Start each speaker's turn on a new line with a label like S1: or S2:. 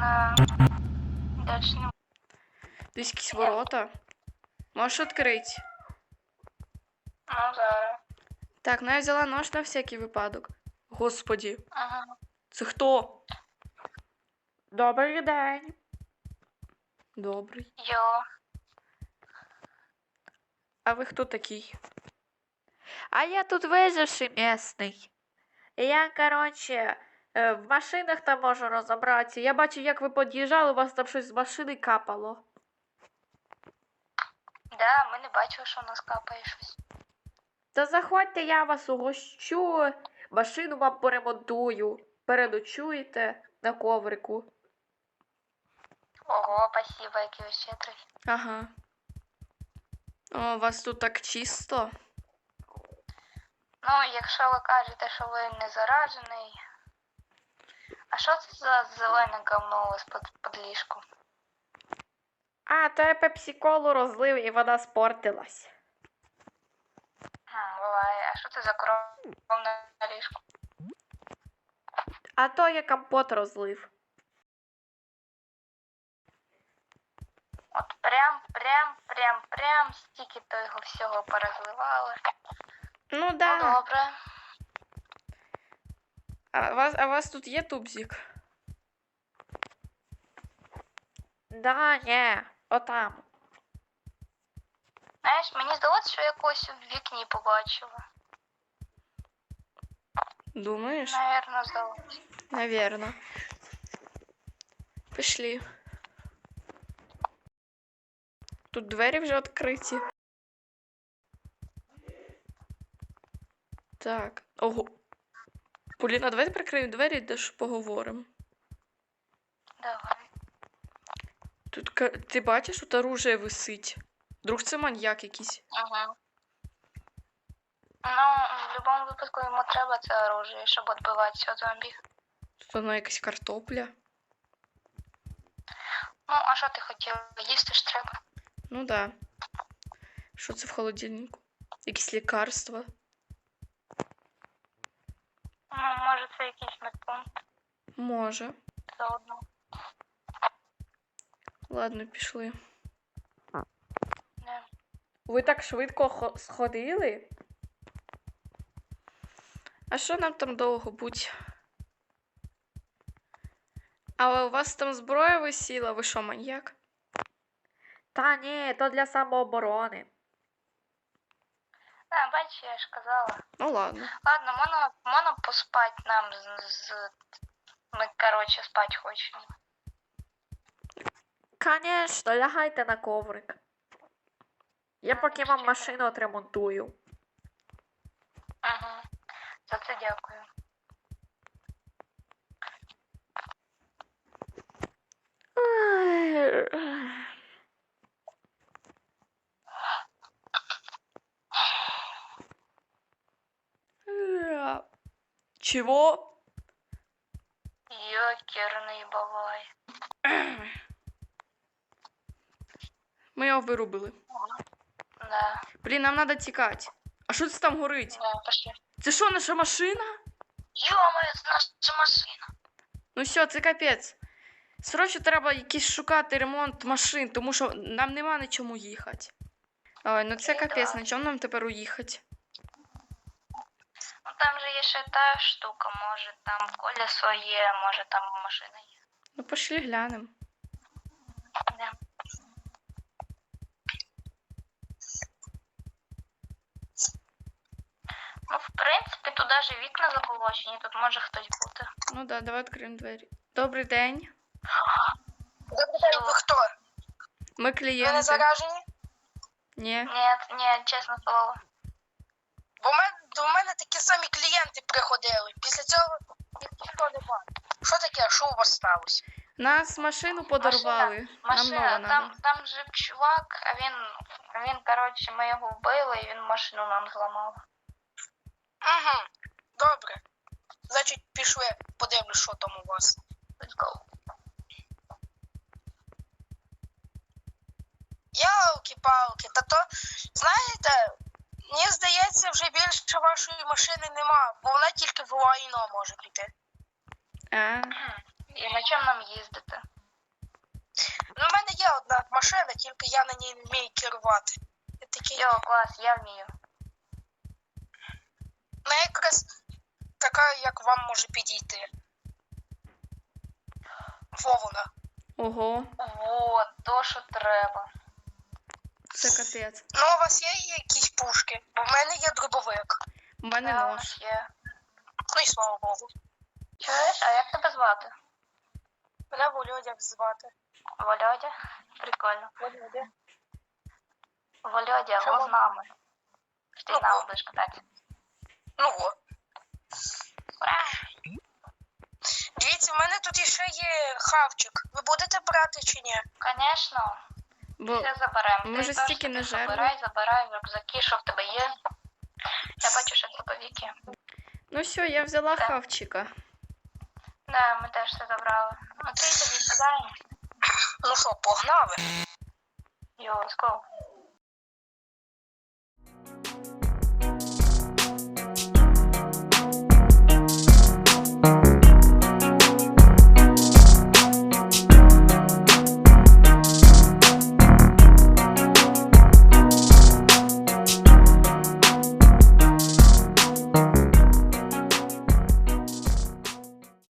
S1: Дальше не...
S2: Десь якісь ворота. Можеш відкрити?
S1: Ну, зараз.
S2: Так, ну я взяла нож на всякий випадок. Господі.
S1: Ага.
S2: Це хто? Добрий день. Добрий.
S1: Йо.
S2: А ви хто такий? А я тут виживший місний. І я, коротше, в машинах там можу розібратися. Я бачу, як ви під'їжджали, у вас там щось з машини капало.
S1: Да, ми не бачили, що у нас капає щось.
S2: Та заходьте, я вас угощу, машину вам поремонтую. Переночуєте на коврику.
S1: Ого, спасибо, який ви щедрий.
S2: Ага. О, у вас тут так чисто.
S1: Ну, якщо ви кажете, що ви не заражений. А що це за зелене говно у вас під ліжком?
S2: А, то я пепсі-колу розлив і вона спортилась.
S1: Буває. А що це за кров на ліжку?
S2: А то я компот розлив.
S1: От прям стільки то його всього порозливали.
S2: Ну да.
S1: Ну, добре.
S2: А у вас тут є тубзик? Да, ні, отам.
S1: Знаєш, мені здалося, що я когось в вікні побачила.
S2: Думаєш?
S1: Наверно, здалося.
S2: Наверно. Пішли. Тут двері вже відкриті. Так. Ого. Поліна, давайте прикриємо двері, де ж поговоримо.
S1: Давай.
S2: Тут ти бачиш, тут оружие висить. Вдруг це маньяк якийсь.
S1: Угу. Ну, в будь-якому випадку йому треба це оружие, щоб відбиватися від зомбі.
S2: Тут воно якась картопля.
S1: Ну, а що ти хотіла? Їсти ж треба.
S2: Ну да. Що це в холодильнику? Якісь лікарства.
S1: Ну, може це якийсь медпункт
S2: Може.
S1: заодно.
S2: Ладно, пішли.
S1: Не.
S2: Ви так швидко сходили? А що нам там довго будь? Але у вас там зброя висіла, ви що, маньяк? Та ні, то для самооборони.
S1: А, бачиш, я ж казала.
S2: Ну ладно.
S1: Ладно, можна поспати нам Ми, короче, спати хочемо.
S2: Конечно, лягайте на коврик. Я поки вам машину отремонтую.
S1: Ага. За це дякую.
S2: Чего?
S1: Йокерний бабай.
S2: Ми його вирубили.
S1: Да.
S2: Блін, нам треба тікати. А що це там горить?
S1: Да, пошли.
S2: Це що, наша машина?
S1: Ё-моё, це наша машина.
S2: Ну все, це капець. Срочно треба якийсь шукати ремонт машин, тому що нам нема на чому їхати. Ой, ну це капець, на чому нам тепер уїхати?
S1: Ну там же є ще та штука, може там колесо є, може там машина є.
S2: Ну пошли глянемо.
S1: Да. Ну, в принципі, тут навіть вікна заколочені, тут може хтось бути.
S2: Ну да, давай відкриємо двері. Добрий день.
S3: Добрий день, ви хто?
S2: Ми
S3: Ви не
S2: клієнти.
S3: заражені?
S2: Ні.
S1: Ні, чесне слово.
S3: Бо до мене такі самі клієнти приходили. Після цього ніхто не бачив. Що таке? Що у вас сталося?
S2: Нас машину подарували.
S1: Машина,
S2: Нам нова надо.
S1: там жив чувак, а він, коротше, ми його вбили, і він машину нам зламав.
S3: Угу. Добре. Значить, пішли, подивлюсь, що там у вас.
S1: Let's go.
S3: Ялки-палки, та то, знаєте, мені здається, вже більше вашої машини нема, бо вона тільки в лайно може піти.
S2: А,
S1: І на чому нам їздити?
S3: Ну, в мене є одна машина, тільки я на ній не вмію керувати. Я такий,
S1: Йо, клас, я вмію.
S3: ну, якраз така, як вам може підійти. Вовна.
S2: Ого,
S1: Вот, то, що треба.
S2: це капець.
S3: Ну, у вас є якісь пушки? Бо в мене є дробовик.
S2: У мене
S1: Да, у
S2: нож.
S1: нас є.
S3: Ну і слава Богу.
S1: Чуєш, а як тебе звати?
S3: Мене Володя звати.
S1: Володя? Прикольно.
S3: Володя.
S1: Володя,
S3: Чому?
S1: го з нами. Ти
S3: Ну,
S1: з нами будеш кататися.
S3: Ну о.
S1: Ура!
S3: Дивіться, в мене тут іще є хавчик. Ви будете брати чи ні?
S1: Конечно,
S2: Бо
S1: все заберемо.
S2: ми
S1: Ти
S2: вже
S1: теж
S2: стільки
S1: собі
S2: не жерли.
S1: забирай рюкзаки, що в тебе є. Я бачу, що дробовики.
S2: ну все, я взяла
S1: Так.
S2: хавчика.
S1: Да, ми теж все забрали. Ну, ти тоді сідаємо.
S3: Ну що, погнали?
S1: Йо, let's go.